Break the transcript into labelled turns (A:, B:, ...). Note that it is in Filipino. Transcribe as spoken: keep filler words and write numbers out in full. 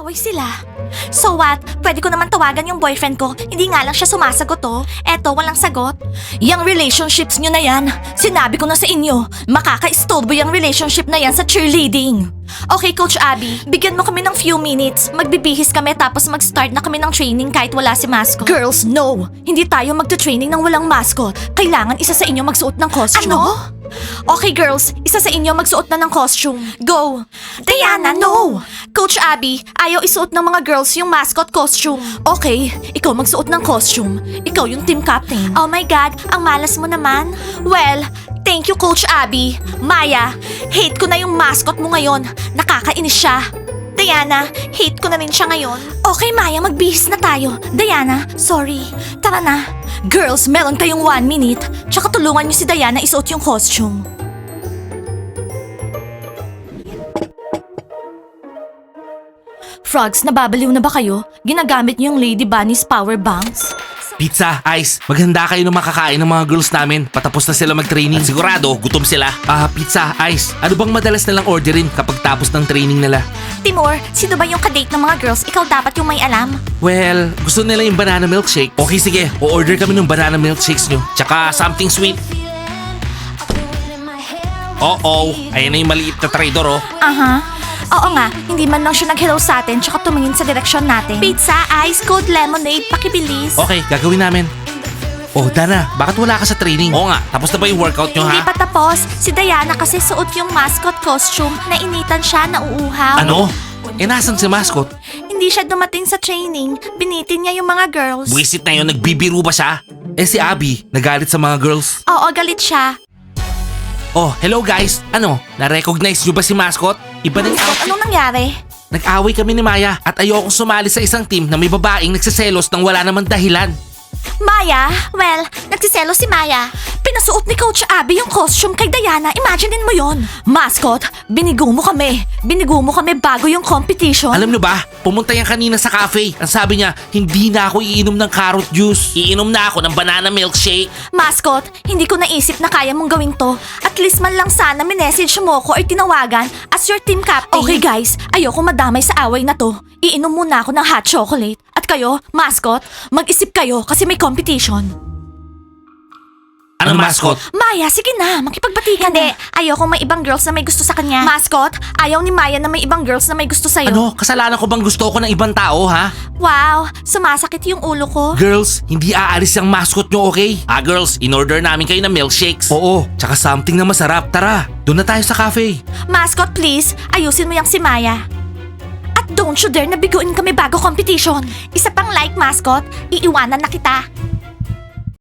A: Nag-aaway sila. So what? Pwede ko naman tawagan yung boyfriend ko. Hindi nga lang siya sumasagot oh. Eto, walang sagot. Yang relationships nyo na yan. Sinabi ko na sa inyo, makaka-istorbo yung relationship na yan sa cheerleading. Okay, Coach Abby, bigyan mo kami ng few minutes. Magbibihis kami tapos mag-start na kami ng training kahit wala si mascot. Girls, no! Hindi tayo magta-training ng walang mascot. Kailangan isa sa inyo magsuot ng costume. Ano? Okay, girls, isa sa inyo magsuot na ng costume. Go! Diana, no! Coach Abby, ayaw isuot ng mga girls yung mascot costume. Okay, ikaw magsuot ng costume. Ikaw yung team captain. Oh my God, ang malas mo naman. Well, thank you, Coach Abby. Maya, hate ko na yung mascot mo ngayon. Nakakainis siya. Diana, hate ko na rin siya ngayon. Okay, Maya, magbihis na tayo. Diana, sorry. Tara na. Girls, meron kayong one minute. Tsaka tulungan niyo si Diana isuot yung costume. Frogs, nababaliw na ba kayo? Ginagamit niyo yung Lady Bunny's power banks?
B: Pizza, Ice, maghanda kayo ng makakain ng mga girls namin. Patapos na sila mag-training. At sigurado, gutom sila. Ah, Pizza, Ice, ano bang madalas nilang orderin kapag tapos ng training nila?
A: Timur, sino ba yung kadate ng mga girls? Ikaw dapat yung may alam.
B: Well, gusto nila yung banana milkshake. Okay, sige, o-order kami ng banana milkshakes nyo. Tsaka something sweet. Oo, ayan na yung maliit na trader, oh.
A: Aha. Oo nga, hindi man lang siya nag-hello sa atin tsaka tumingin sa direksyon natin. Pizza, ice, cold lemonade, pakibilis.
B: Okay, gagawin namin. Oh, Dana, bakit wala ka sa training? Oo nga, tapos na ba yung workout nyo,
A: Hindi
B: ha?
A: pa tapos. Si Diana kasi suot yung mascot costume. Nainitan siya, nauuhaw.
B: Ano? Eh, nasan si mascot?
A: Hindi siya dumating sa training. Binitin niya yung mga girls.
B: Buwisit na yun, nagbibiro ba siya? Eh, si Abby, nagalit sa mga girls.
A: Oo, galit siya.
B: Oh, hello guys. Ano, na-recognize nyo ba si mascot? Iba na yung outfit.
A: Anong nangyari?
B: Nag-away kami ni Maya at ayokong sumali sa isang team na may babaeng nagsiselos nang wala namang dahilan.
A: Maya? Well, nagsiselo si Maya. Pinasuot ni Coach Abby yung costume kay Diana. Imaginein mo yon. Mascot, binigo mo kami. Binigo mo kami bago yung competition.
B: Alam nyo ba, pumunta yan kanina sa cafe. Ang sabi niya, hindi na ako iinom ng carrot juice. Iinom na ako ng banana milkshake.
A: Mascot, hindi ko naisip na kaya mong gawin to. At least man lang sana minessage mo ko or tinawagan as your team captain. Okay guys, ayoko madamay sa away na to. Iinom muna ako ng hot chocolate. At kayo, mascot, mag-isip kayo kasi may competition.
B: Ano mascot?
A: Maya, sige na, makipagbati ka na. Hindi, ayoko may ibang girls na may gusto sa kanya. Mascot, ayaw ni Maya na may ibang girls na may gusto sa'yo.
B: Ano, kasalanan ko bang gusto ko ng ibang tao, ha?
A: Wow, sumasakit yung ulo ko.
B: Girls, hindi aalis yung mascot nyo, okay? Ah, girls, in-order namin kayo ng milkshakes. Oo, tsaka something na masarap. Tara, doon na tayo sa cafe.
A: Mascot, please, ayusin mo yung si Maya. At don't you dare na biguin kami bago competition. Isa pang like, mascot, iiwanan na kita.